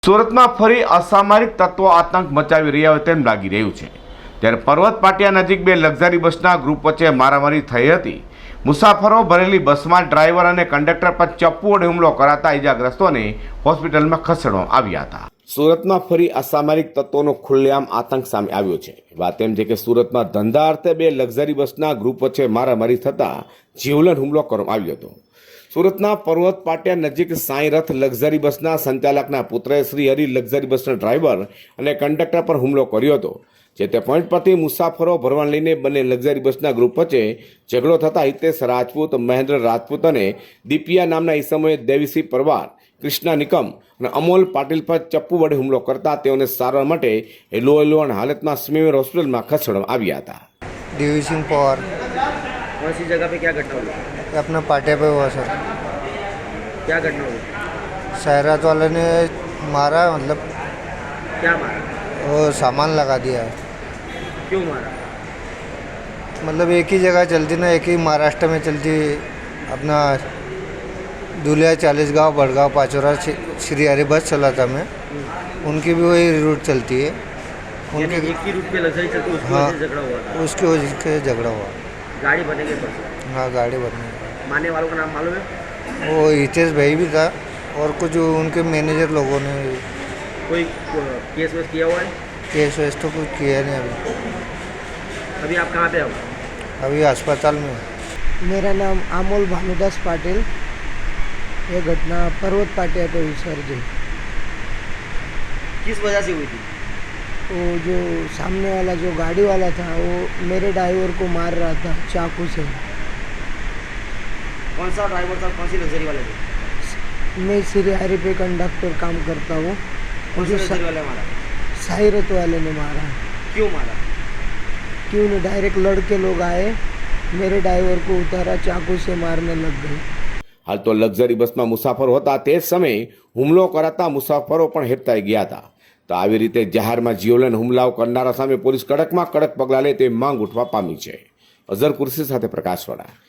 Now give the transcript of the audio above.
સુરતમાં ફરી અસામરિક તત્વો આતંક મચાવી રહ્યા હોય તેમ લાગી રહ્યું છે। ત્યારે પર્વત પાટિયા નજીક બે લક્ઝરી બસના ગ્રુપ વચ્ચે મારામારી થઈ હતી। મુસાફરો ભરેલી બસમાં ડ્રાઈવર અને કંડક્ટર પર ચપ્પુ વડે હુમલો કરાતા ઇજાગ્રસ્તોને હોસ્પિટલમાં ખસેડવામાં આવ્યા હતા। સુરતમાં ફરી અસામરિક તત્વોનો ખુલ્લેઆમ આતંક સામે આવ્યો છે। વાત એમ છે કે સુરતમાં ધંધા અર્થે બે લક્ઝરી બસના ગ્રુપ વચ્ચે મારામારી થતા જીવલેણ હુમલો કરવામાં આવ્યો હતો। સુરતના પર્વત પાટિયા નજીક સાંઈ રથ લક્ઝરી બસના સંચાલકના પુત્રએ શ્રી હરિ લક્ઝરી બસના ડ્રાઈવર અને કંડક્ટર પર હુમલો કર્યો હતો। જે તે પોઈન્ટ પરથી મુસાફરો ભરવા લઈને બંને લક્ઝરી બસના ગ્રુપ વચ્ચે ઝઘડો થતા હિતેશ રાજપૂત, મહેન્દ્ર રાજપૂત અને દીપિયા નામના ઈસમોએ દેવીસિંહ પરવાર, કૃષ્ણા નિકમ અને અમોલ પાટીલ પર ચપ્પુ વડે હુમલો કરતા તેઓને સારવાર માટે લોહીલુહાણ હાલતમાં સ્મીમેર હોસ્પિટલમાં ખસેડવામાં આવ્યા હતા। देवी पवार। कौन सी जगह पे क्या घटना हुई? ये अपना पाटे पे हुआ सर। क्या घटना हुई? शहरात वाले ने मारा, मतलब क्या मारा? वो सामान लगा दिया। क्यों मारा? मतलब एक ही जगह चलती ना, एक ही महाराष्ट्र में चलती अपना दुलिया 40 गाँव, बड़गांव, पाचोरा, श्री हरि बस चलाता मैं, उनकी भी वही रूट चलती है। उनके एक ही रूट पे लग्जरी चलती उसकी हाँ, वजह से झगड़ा हुआ था। उसकी वजह से झगड़ा हुआ। गाड़ी बनेगी पर हाँ, गाड़ी बनने। मारने वालों का नाम मालूम है? वो हितेश भाई भी था और कुछ उनके मैनेजर लोगों ने। कोई केस वेस किया हुआ है? केस वेस तो कुछ किया नहीं अभी। अभी आप कहाँ पे हो? अभी अस्पताल में। मेरा नाम अमोल भानुदास पाटिल। ये घटना पर्वत पाटिया पे हुई सर जी। किस वजह से हुई थी? वो जो सामने वाला जो गाड़ी वाला था वो मेरे ड्राइवर को मार रहा था चाकू से। कौन सा ड्राइवर था? कौन सी लग्जरी वाले थे? मैं श्री हरि पे कंडक्टर काम करता हूँ। कौन सी जो लग्जरी वाले मारा? साइरत वाले ने मारा। क्यों मारा? क्यों नहीं, डायरेक्ट लड़के लोग आए, मेरे ड्राइवर को उतारा, चाकू से मारने लग गए। हाल तो लक्ઝરી બસમાં મુસાફરો હતા તે જ સમયે હુમલો કરાતા મુસાફરો પણ હેબતાઈ ગયા હતા। તો આવી રીતે જાહેરમાં જીવલેણ હુમલાઓ કરનારા સામે પોલીસ કડકમાં કડક પગલાં લે તેવી માંગ ઉઠવા પામી છે। અઝર કુર્સી સાથે પ્રકાશવાળા।